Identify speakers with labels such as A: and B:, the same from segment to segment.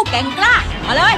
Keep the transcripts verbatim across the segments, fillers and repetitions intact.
A: แก่งกล้ามาเลย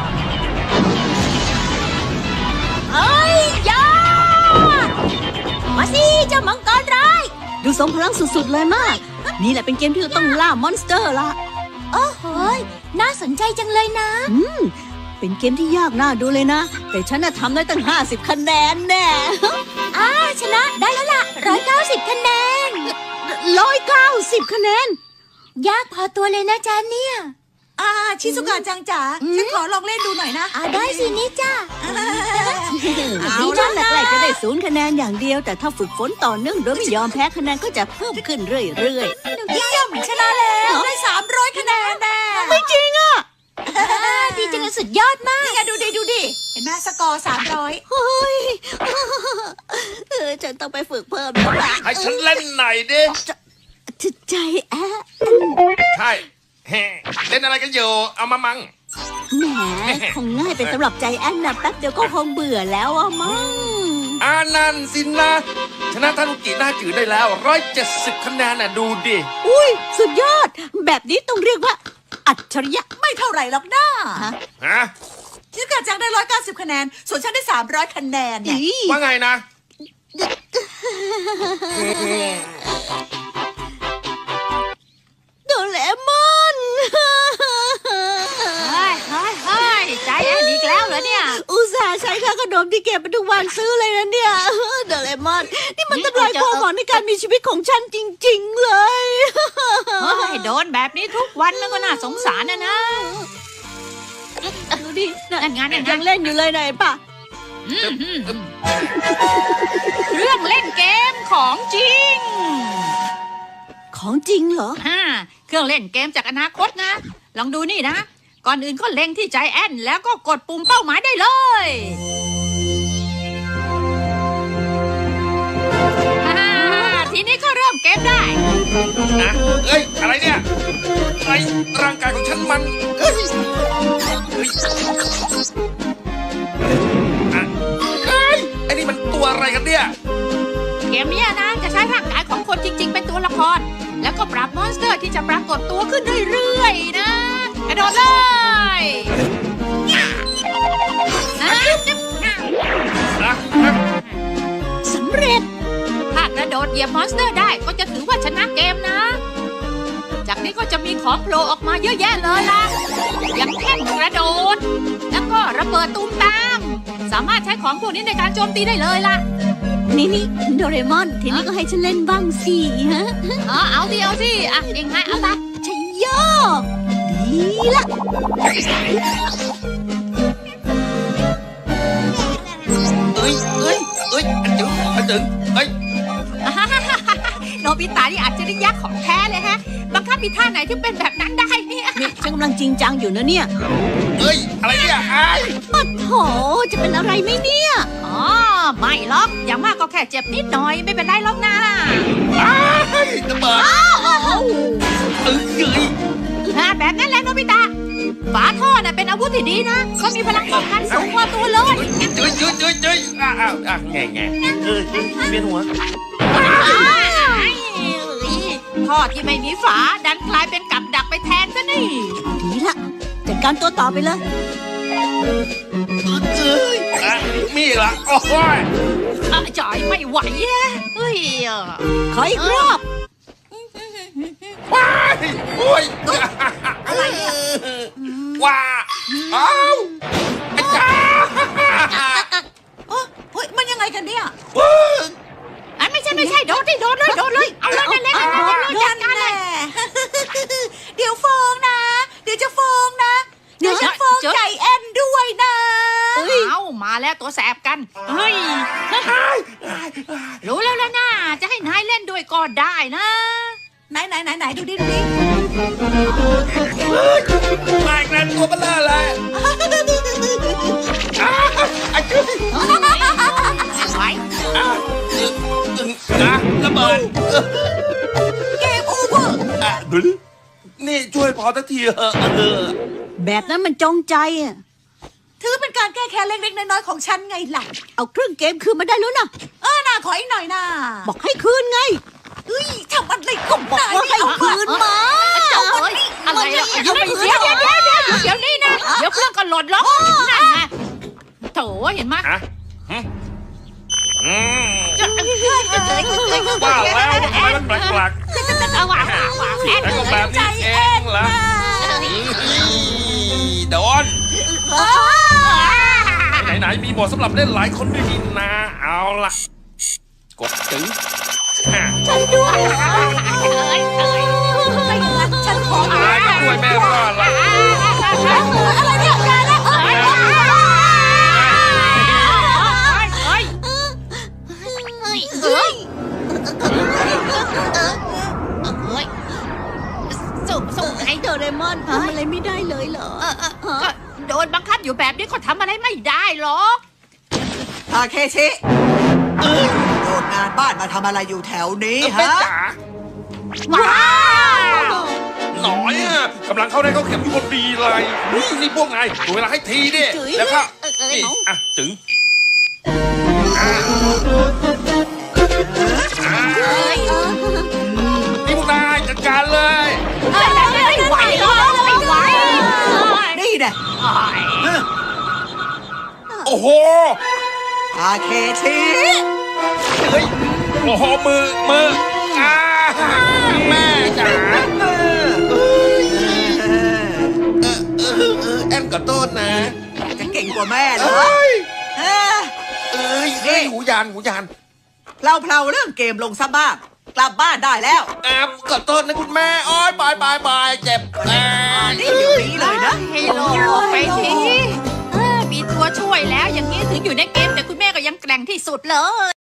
A: เอ้ยยามาสิเจ้ามังกรร้ายดูสมพลังสุดๆเลยมากนี่แหละเป็นเกมที่เราต้องล่ามอนสเตอร์ละโอ้โหน่าสนใจจังเลยนะอืมเป็นเกมที่ยากน่าดูเลยนะแต่ฉันน่ะทำได้ตั้งห้าสิบคะแนนแน่อ้าชนะได้แล้วล่ะร้อยเก้าสิบคะแนนร้อยเก้าสิบคะแนนยากพอตัวเลยนะจ๊ะเนี่ย
B: อ่าชิซุกะจังจ๋าฉันขอลองเล่นดูหน่อยนะ
A: อ่าได้สินี่จ้านี่ฉันแรกๆจะได้ศูนย์คะแนนอย่างเดียวแต่ถ้าฝึกฝนต่อเนื่องโดยไม่ยอมแพ้คะแนนก็จะเพิ่มขึ้นเรื่อย
B: ๆเยี่ยมชนะแล้วได้สามร้อยคะแนนแน่
A: ไม่จริงอ่ะดีจังสุดยอดมาก
B: นี่ไงดูดิดูดิเห็นไหมสกอร์สามร้อย
A: เฮ้ยเออฉันต้องไปฝึกเพิ่มแล้วล่ะ
C: ให้ฉันเล่นหน่อยดิ
A: ใจแอะ
C: ใช่เล่นอะไรกันอยู่เอามามัง
A: แหมคงง่ายเป็นสำหรับใจแอนนะแป๊บเดียวก็คงเบื่อแล้วอะมั้ง
C: อานันสินะชนะทานุกิหน้าจืดได้แล้วร้อยเจ็ดสิบคะแนนน่ะดูดิ
A: อุ้ยสุดยอดแบบนี้ต้องเรียกว่าอัจฉริยะ
B: ไม่เท่าไหร่หรอกน้า
C: ฮะ
B: ชิซุกะจังได้ร้อยเก้าสิบคะแนนส่วนฉันได้สามร้อยคะแนนเนี่ย
C: ว่าไงนะ
A: โดเรมอน
D: เฮ้ยเฮ้ยเฮ้ยใจแอนอีกแล้วเหรอเนี่ย
A: อุตส่าห์ใช้ค่าขนมที่เก็บมาทุกวันซื้อเลยนะเนี่ยโดเรมอนนี่มันทำลายความหวังในการมีชีวิตของฉันจริงๆเลย
D: เฮ้ยโดนแบบนี้ทุกวันมันก็น่าสงสารนะนะ
A: ดูดิ
D: นั่นงานนั่น
A: ยังเล่นอยู่เลยไหนป่ะ
D: เรื่องเล่นเกมของจริง
A: ของจริงเหรอ
D: อ่าเครื่องเล่นเกมจากอนาคตนะลองดูนี่นะก่อนอื่นก็เล็งที่ใจแอนแล้วก็กดปุ่มเป้าหมายได้เลยทีนี้ก็เริ่มเกมได้
C: นะเอ้ยอะไรเนี่ยไอ้ร่างกายของฉันมันเอ้ยเอ้ยไอ้นี่มันตัวอะไรกันเนี่ย
D: เกมนี้นะจะใช้ร่างกายของคนจริงๆเป็นตัวละครแล้วก็ปรับมอนสเตอร์ที่จะปรากฏตัวขึ้นเรื่อยๆนะกระโดดเลย
A: สำเร็จ
D: ถ้ากระโดดเหยียบมอนสเตอร์ได้ก็จะถือว่าชนะเกมนะจากนี้ก็จะมีของโผล่ออกมาเยอะแยะเลยล่ะอย่างแท่นกระโดดแล้วก็ระเบิดตูมตามสามารถใช้ของพวกนี้ในการโจมตีได้เลยล่ะ
A: นี่นี่โดเรมอนทีนี้ก็ให้ฉันเล่นบ้างสิฮะ
D: อ๋อเอาสิเอาสิอ่ะยังไงเอาละ
A: ชัยโยดีละ
C: เอ้ยเอ้ยเอ้ยอันจึงอันจึงเอ้ย
D: โนบิตะนี่อัจฉริยะของแท้เลยฮะบังคับมีท่าไหนที่เป็นแบบนั้นได้เนี่ย
A: นี่ฉันกำลังจริงจังอยู่นะเนี่ย
C: เอ้ยอะไรเนี่ยไอ้
A: ปัดโถจะเป็นอะไรไหมเนี่ย
D: อ๋อไม่หรอกอย่างมากก็แค่เจ็บนิดหน่อยไม่เป็นไรหรอกนะ
C: อ้ายระเบิดเอ้ยเอ้ย
D: แบบนั้นแหละโนบิตะฝาท่อน่ะเป็นอาวุธที่ดีนะเขามีพลังป้องกันสูงกว่าตัวเลย
C: จุ๊ยจุ๊ยจุ๊ยจุ๊ยอ้าวอ้าวแง่แง่เออเวียนหัว
D: ท่อที่ไม่มีฝาดันกลายเป็นกับดักไปแทนซะนี่
A: ดีละจัดการตัวต่อไปเลย
C: เอ้ยมีละโอ้ย
D: จ่ายไม่ไหวเฮ้ย
A: ขออีกรอบ
C: ว้ายโอ้ย
B: อะไรเนี่ย
C: ว้าอ้าวไอ้จ้า
B: โอ้ยมันยังไงกันเนี่ย
D: อันไม่ใช่ไม่ใช่โดดดิโดดเลยโดดเลยเอาเลยนั่นแหละนั่นแหละจัดการเลย
B: เดี๋ยวฟองนะเดี๋ยวจะฟองนะเดี๋ยวจะฟองใจแอนด้วยนะ
D: เอามาแล้วตัวแสบกันเฮ้ยรู้แล้วแล้วนะจะให้นายเล่นด้วยก็ได้นะ
B: ไหนไหนไหนไหนดูดิดูดิ
C: มาอีกแล้วตัวเบลอเลยไอ้จุ๊ย
D: ไว้
C: นะระเบิด
B: เกมโอเวอร์
C: นี่ช่วยพอสักทีเถอะ
A: แบบนั้นมันจงใจอ่ะ
B: ถือเป็นการแก้แค้นเล็กๆน้อยๆของฉันไงล่ะ
A: เอาเครื่องเกมคืนมาได้แล้วนะ
B: เออน่าขออีกหน่อยนะ
A: บอกให้คืนไง
B: เฮ้ยทำอะไรของนายไม่เอาคืนมา
A: เจ้า
D: อะไรอ่ะเดี๋ยวเดี๋ยวเดี๋ยวเดี๋ยวเดี๋ยวนี่นะหล่นหรอกนั่นไงโถเห็นไหม
C: อะหึอืม
D: จะเอ้ยจะเอ้ยจะเอ้ย
C: ว่าแล้วทำไมมันแปลก
D: เอาว่ะว่ะว่ะแอน
C: ๆแล้วก็แบบนี้เองเหรอโดนไหนๆมีบทสำหรับเล่นหลายคนด้วยนี่นะเอาล่ะ กดถึงอ่ะ
A: ฉันด้วย
D: เอ้ยเอ้ย
B: ไม่งั้นฉันขอ
C: ตายก็ด้วยแม่รอดละ
B: อะไรเนี่ยยายแล้วเอ้ย
D: เอ้ยเอ้ยเอ้ยสู้สู้ไง
A: โดเรมอนทำอะไรไม่ได้เลยเหรอ
D: เออเออก็โดนบังคับอยู่แบบนี้ก็ทำอะไรไม่ได้หรอก
B: ทาเคชิโดดงานบ้านมาทำอะไรอยู่แถวนี้
C: เออแม่
B: ฮะ
C: จ๋า
D: ว้าว
C: หน่อยอ่ะกำลังเข้าได้เข้าเข็มอยู่พอดีเลยนี่นี่พวกนายดูเวลาให้ทีดิแล้วก็นี่อ่ะถึงอ่ะอ่ะ
D: เอ้ย
C: นี่พวกนายจัดการเลย
D: เอ้ยไม่ไหวหรอกไม่ไหว
B: นี่แน่
C: โอ้โห
B: ทาเคชิ
C: เฮ้ยโอ้โหมือมืออ่าแม่จ๋า
B: เออ
C: เออเออเออแอนขอโทษนะ
B: จะเก่งกว่าแม่เหรอ
C: เอ้ย
B: เออ
C: เอ้ยเอ้ยหูยานหูยาน
B: เราเพลาเรื่องเกมลงซะบ้างกลับบ้านได้แล้ว
C: อ่าขอโทษนะคุณแม่โอ้ยบายบายบายเจ็บอ่า
B: นี่เดี๋ยวนี้เลยนะ
D: ให้โลกไปทีเออมีตัวช่วยแล้วอย่างนี้ถึงอยู่ในเกมแต่คุณแม่ก็ยังแกร่งที่สุดเลย